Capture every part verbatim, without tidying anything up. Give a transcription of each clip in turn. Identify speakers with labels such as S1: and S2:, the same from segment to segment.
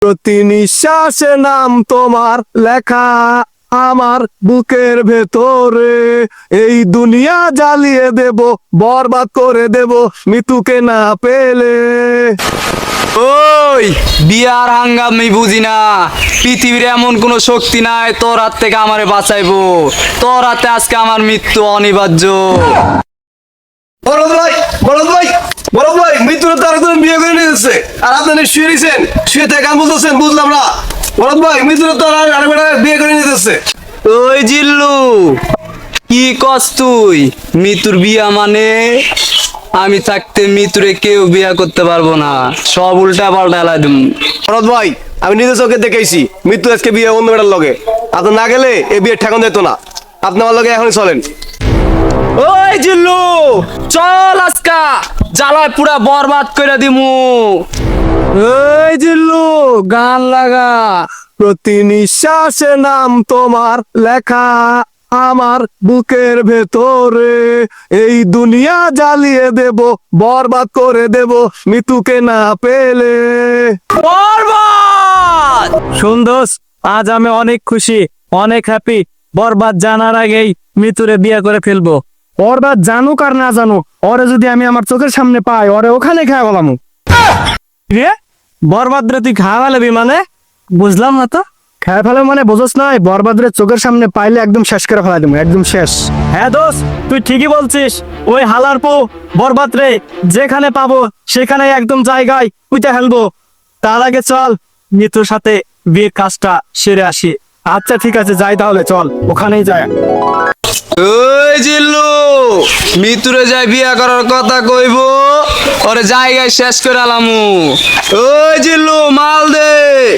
S1: প্রতি নিঃশ্বাসে নাম তোমার লেখা আমার বুকের ভেতরে। এই দুনিয়া জ্বালিয়ে দেব, বরবাদ করে দেব মৃত্যুকে না পেলে।
S2: ওই বিয়ার হাঙ্গাম আমি বুঝি না। পৃথিবীর এমন কোন শক্তি নাই তোর হাত থেকে আমারে বাঁচাইবো। তোর হাতে আজকে আমার মৃত্যু অনিবার্য।
S1: বরদ ভাই, বরদ ভাই, বরদ ভাই, মৃত্যুর তো আরেকজন বিয়ে করে নিয়েছে আর আপনারা শুয়ে নিয়েছেন, শুয়ে থেকে গান বলতেছেন, বুঝলাম না। বরদ ভাই, মৃত্যুর তো আরেকটা বিয়ে করে নিতেছে।
S2: ওই জিল্লু, কি কস তুই? মৃত্যুর বিয়া মানে? আমি থাকতে মৃত্যুরে কেউ বিয়া করতে পারবো না, সব উল্টা পাল্টা এলাই দিম।
S1: বরদ ভাই, আমি নিজে চোখে দেখেছি মৃত্যু আজকে বিয়ে অন্য মেয়েটার লগে। আপনি না গেলে এই বিয়ে ঠেকানো যেত না। আপনি আমার লগে এখনই চলেন।
S2: ওই জিল্লু, চল আজকা জ্বালায় পুরা বরবাদ করে দিমু।
S1: এই জিল্লু, গান লাগা। প্রতি নিঃশ্বাসে নাম তোমার লেখা আমার বুকের ভেতরে। এই দুনিয়া জ্বালিয়ে দেব, বরবাদ করে দেব মৃত্যুকে না পেলে।
S2: বরবাদ!
S3: সুন্দর, আজ আমি অনেক খুশি, অনেক হ্যাপি। বরবাদ জানার আগেই মৃত্যুরে বিয়ে করে ফেলবো। বরবাদ জানুক আর না জানুক, ওরে যদি আমি আমার চোখের সামনে পাই, ওরে ওখানে খাওয়া গেলাম। রে বরবাদ রে তুই খাওয়া ফেলবি মানে? বুঝলাম না তো। খাওয়া ফেলে মানে বোঝস নাই? বরবাদ রে চোখের সামনে পাইলে একদম শেষ করে ফেলা দেবো, একদম শেষ। হ্যাঁ দোস্ত, তুই ঠিকই বলছিস। ওই হালার পো বরবাদ রে যেখানে পাবো সেখানে একদম জায়গায় উইটা ফেলবো। তার আগে চল মৃত্যুর সাথে বিয়ের কাজটা সেরে আসি। আচ্ছা ঠিক আছে, যাই তাহলে, চল ওখানেই যাই।
S2: ওই জিল্লু, মৃত্যুরে যাই বিয়া করার কথা কইব, ওরে জায়গায় শেষ করে আলামু। ওই জিল্লু, মাল দে।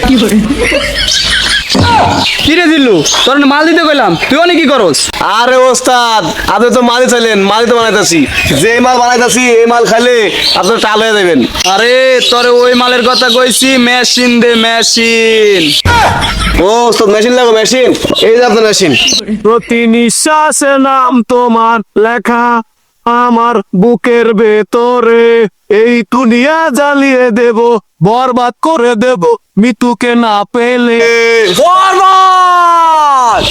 S2: কি রে জিল্লু, তোর না মাল দিতে কইলাম, তুই অনেক কি করস?
S1: আরে ওস্তাদ, আপনি তো মালি চাইলেন, মালি তো বানাইতেছি। যে মাল বানাইতেছি এই মাল খাইলে আপনার টাল হয়ে যাবেন।
S2: আরে তোরে ওই মালের কথা কইছি, মেশিন দে মেশিন।
S1: ও ওস্তাদ, মেশিন লাগো, মেশিন। এই যে আপনার মেশিন।
S3: প্রতি নিঃশ্বাসে নাম তোমার লেখা আমার বুকের ভেতরে।
S1: এই দুনিয়া জ্বালিয়ে দেব, বরবাদ করে দেব মৃত্যুকে না পেলে।
S2: বরবাদ!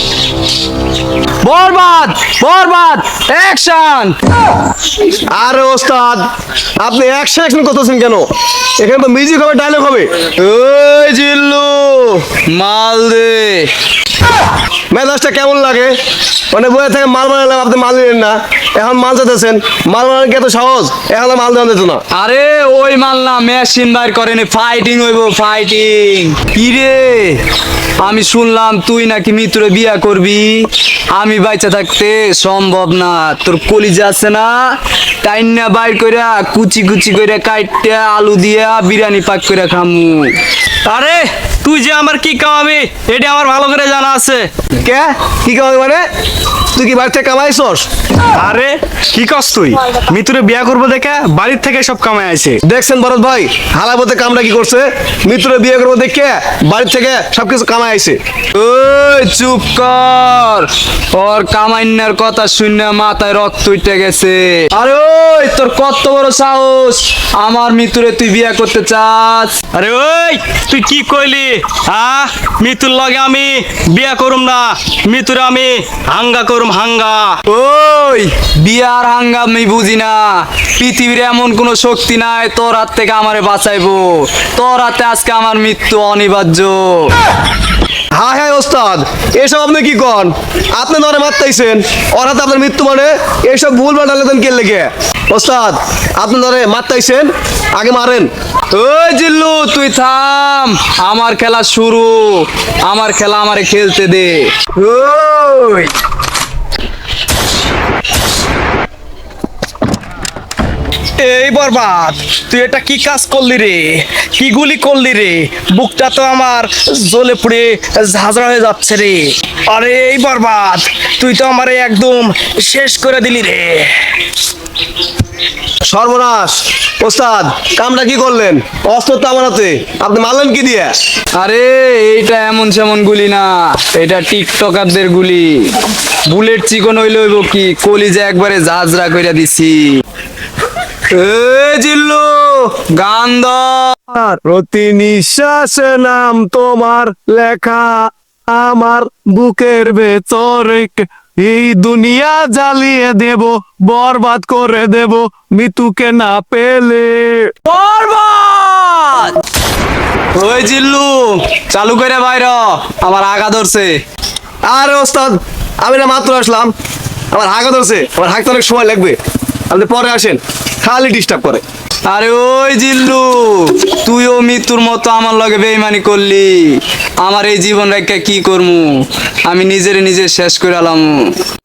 S2: বরবাদ! বরবাদ! অ্যাকশন!
S1: আরে ওস্তাদ, আপনি অ্যাকশন অ্যাকশন করতেছেন কেন? এখানে তো মিউজিক হবে, ডায়লগ হবে।
S2: ওই জিল্লু, মাল দে।
S1: মেজাজটা কেমন লাগে? মানে বইয়ে থেকে মাল বানালাম, আপনি মাল দিলেন না, এখন মাল চাইতেছেন। মাল বানানো কি এত সহজ? এখন তো মাল দেওয়া যেত না।
S2: আরে ওই মাল না, মেশিন বাইর করেনি, ফাইটিং হইব, ফাইটিং। কি রে, আমি শুনলাম তুই নাকি মিত্রে বিয়া করবি। আমি বাইচা থাকতে সম্ভব না। তোর কলিজা আছে না, টাইনা বাইর কইরা কুচি কুচি কইরা কাইটা আলু দিয়া বিরিয়ানি পাক কইরা খামু।
S3: আরে তুই যে আমার কি কামাবি এটা আমার ভালো করে জানা আছে।
S1: কে কি কামাই মানে? তুই কি বাড়ি থেকে কামাইছস?
S3: আরে কি কস তুই? মৃত্যুরে বিয়া করবো দেখে বাড়ির থেকে সব কামাই আছে।
S1: দেখছেন ভরত ভাই, হালাবতে কামটা কি করছে? মিত্রে বিয়ে করবো দেখে বাড়ি থেকে সবকিছু কামাই আইছে।
S2: ওই চুপ কর, ওর কামাইনার কথা শুনে মাথায় রক্ত উঠে গেছে। আরে ওই তোর কত বড় সাহস, আমার মৃত্যুরে তুই বিয়া করতে চাস?
S3: আরে ওই তুই কি কইলি? হ্যাঁ, মৃত্যুর লগে আমি বিয়া করুম না, মৃত্যুরে আমি হাঙ্গা করুম, হাঙ্গা।
S2: ওই বিয়ার হাঙ্গাম আমি বুঝি না। পৃথিবীর এমন কোন শক্তি নাই তোর হাত থেকে আমারে বাঁচাইবো। তোর হাতে আজকে আমার মৃত্যু অনিবার্য।
S1: হ্যাঁ হ্যাঁ ওস্তাদ, এসব আপনি কি কন? আপনি ধরে মারতেছেন, ওর হাতে আপনার মৃত্যু মানে এইসব ভুল বাটালেন কে লেগে? ওস্তাদ, আপনি ধরে মারতেছেন, আগে মারেন।
S2: ওই জিল্লু তুই থাম, আমার খেলা শুরু। আমার খেলা আমারে খেলতে দে। ওই
S3: এই বরবাদ, তুই এটা কি কাজ করলি রে? কি গুলি করলি রে? বুকটা তো আমার জ্বলে পুড়ে ঝাঁঝরা হয়ে যাচ্ছে রে। আরে এই বরবাদ, তুই তো আমারে একদম শেষ করে দিলি রে।
S1: সর্বনাশ! ওস্তাদ, কামটা কি করলেন? অস্ত্র তো আমার হাতে, আপনি মারলেন কি দিয়ে?
S2: আরে এইটা এমন সেমন গুলি না, এটা টিকটকারদের গুলি। বুলেট চিকন হইলে হইব কি, কলিজা একবারে ঝাঁঝরা কইরা দিছি। এ জিল্লু, গান দাও।
S1: আর প্রতি নিঃশ্বাসে নাম তোমার লেখা আমার বুকের ভেতরে। এই দুনিয়া জ্বালিয়ে দেব, বরবাদ করে দেব, মৃত্যুকে না পেলে।
S2: বরবাদ। ওই জিল্লু চালু করে বাইর, আমার আগা ধরছে।
S1: আরে ওস্তাদ, আমি না মাত্র আসলাম, আমার হাঁকা ধরছে, আমার হাঁকতে অনেক সময় লাগবে, আপনি পরে আসেন, খালি ডিস্টার্ব করে।
S2: আরে ওই জিল্লু, তুইও মৃত্যুর মতো আমার লগে বেইমানি করলি। আমার এই জীবন রেখে কি করমু, আমি নিজের নিজে শেষ করে আলাম।